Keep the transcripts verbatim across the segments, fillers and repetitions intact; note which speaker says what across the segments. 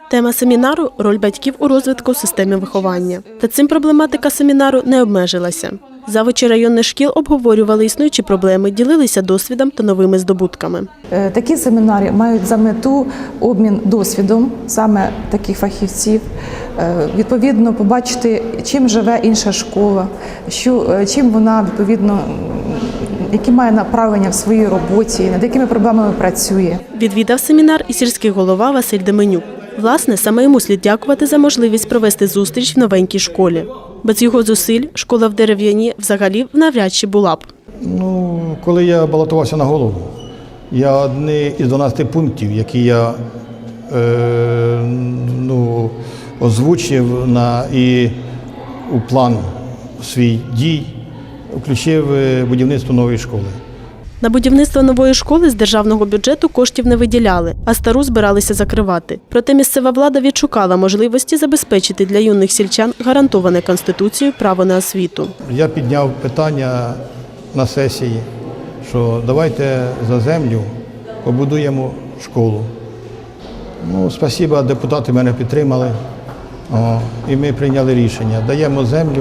Speaker 1: Тема семінару – роль батьків у розвитку системи виховання. Та цим проблематика семінару не обмежилася. Завучі районних шкіл обговорювали існуючі проблеми, ділилися досвідом та новими здобутками.
Speaker 2: Такі семінари мають за мету обмін досвідом саме таких фахівців, відповідно побачити, чим живе інша школа, що, чим вона, відповідно, які має направлення в своїй роботі, над якими проблемами працює.
Speaker 1: Відвідав семінар і сільський голова Василь Деменюк. Власне, саме йому слід дякувати за можливість провести зустріч в новенькій школі. Без його зусиль школа в Дерев'яні взагалі навряд чи була б.
Speaker 3: Ну, коли я балотувався на голову, я одні із дванадцяти пунктів, які я е, ну, озвучив на, і у план свій дій, включив будівництво нової школи.
Speaker 1: На будівництво нової школи з державного бюджету коштів не виділяли, а стару збиралися закривати. Проте місцева влада відшукала можливості забезпечити для юних сільчан гарантоване Конституцією право на освіту. Я
Speaker 3: підняв питання на сесії, що давайте за землю побудуємо школу. Ну, спасибо, депутати мене підтримали, о, і ми прийняли рішення. Даємо землю,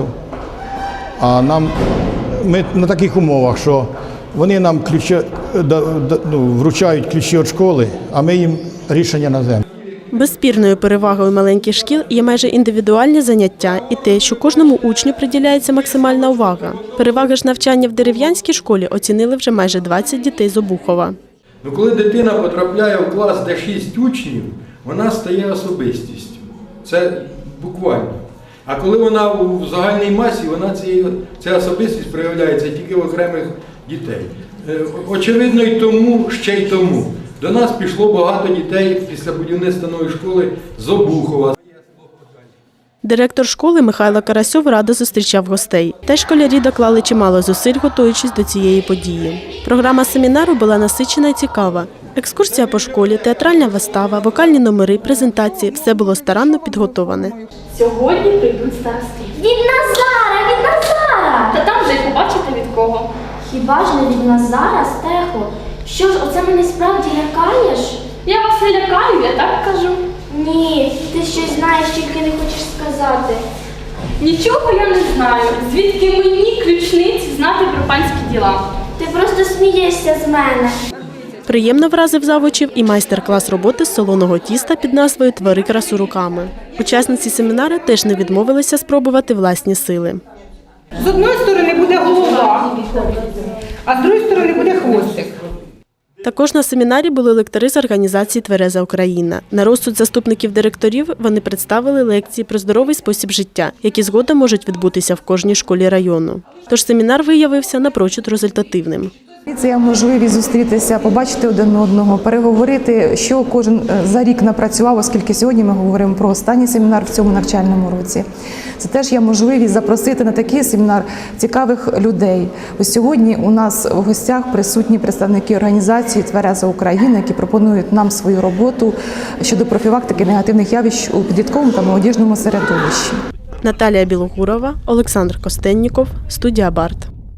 Speaker 3: а нам, ми на таких умовах, що вони нам ключі, ну, вручають ключі від школи, а ми їм рішення на землю.
Speaker 1: Безспірною перевагою маленьких шкіл є майже індивідуальні заняття і те, що кожному учню приділяється максимальна увага. Переваги ж навчання в дерев'янській школі оцінили вже майже двадцять дітей з Обухова.
Speaker 4: Ну, коли дитина потрапляє в клас, де шість учнів, вона стає особистістю. Це буквально. А коли вона в загальній масі, вона цієї, ця особистість проявляється тільки в окремих дітей. Очевидно, і тому, ще й тому. До нас пішло багато дітей після будівництва нової школи з Обухова.
Speaker 1: Директор школи Михайло Карасьов радо зустрічав гостей. Та школярі доклали чимало зусиль, готуючись до цієї події. Програма семінару була насичена і цікава. Екскурсія по школі, театральна вистава, вокальні номери, презентації – все було старанно підготоване.
Speaker 5: Сьогодні прийдуть старости.
Speaker 6: Від Назара, від Назара!
Speaker 5: Та там вже й побачите від кого.
Speaker 6: Хіба ж не від Назара, Стехо? Що ж, оце мене справді лякаєш?
Speaker 5: Я вас не лякаю, я так кажу.
Speaker 6: Ні, ти щось знаєш, тільки не хочеш сказати.
Speaker 5: Нічого я не знаю. Звідки мені, ключниці, знати про панські діла?
Speaker 6: Ти просто смієшся з мене.
Speaker 1: Приємно вразив завучів і майстер-клас роботи з солоного тіста під назвою «Твори красу руками». Учасниці семінару теж не відмовилися спробувати власні сили.
Speaker 7: З одної сторони буде голова, а з другої сторони буде хвостик.
Speaker 1: Також на семінарі були лектори з організації «Твереза Україна». На розсуд заступників директорів вони представили лекції про здоровий спосіб життя, які згодом можуть відбутися в кожній школі району. Тож семінар виявився напрочуд результативним.
Speaker 2: Це є можливість зустрітися, побачити один одного, переговорити, що кожен за рік напрацював, оскільки сьогодні ми говоримо про останній семінар в цьому навчальному році. Це теж є можливість запросити на такий семінар цікавих людей. Ось сьогодні у нас в гостях присутні представники організації «Твереза Україна», які пропонують нам свою роботу щодо профілактики негативних явищ у підлітковому та молодіжному середовищі.
Speaker 1: Наталія Білогурова, Олександр Костенніков, студія «Барт».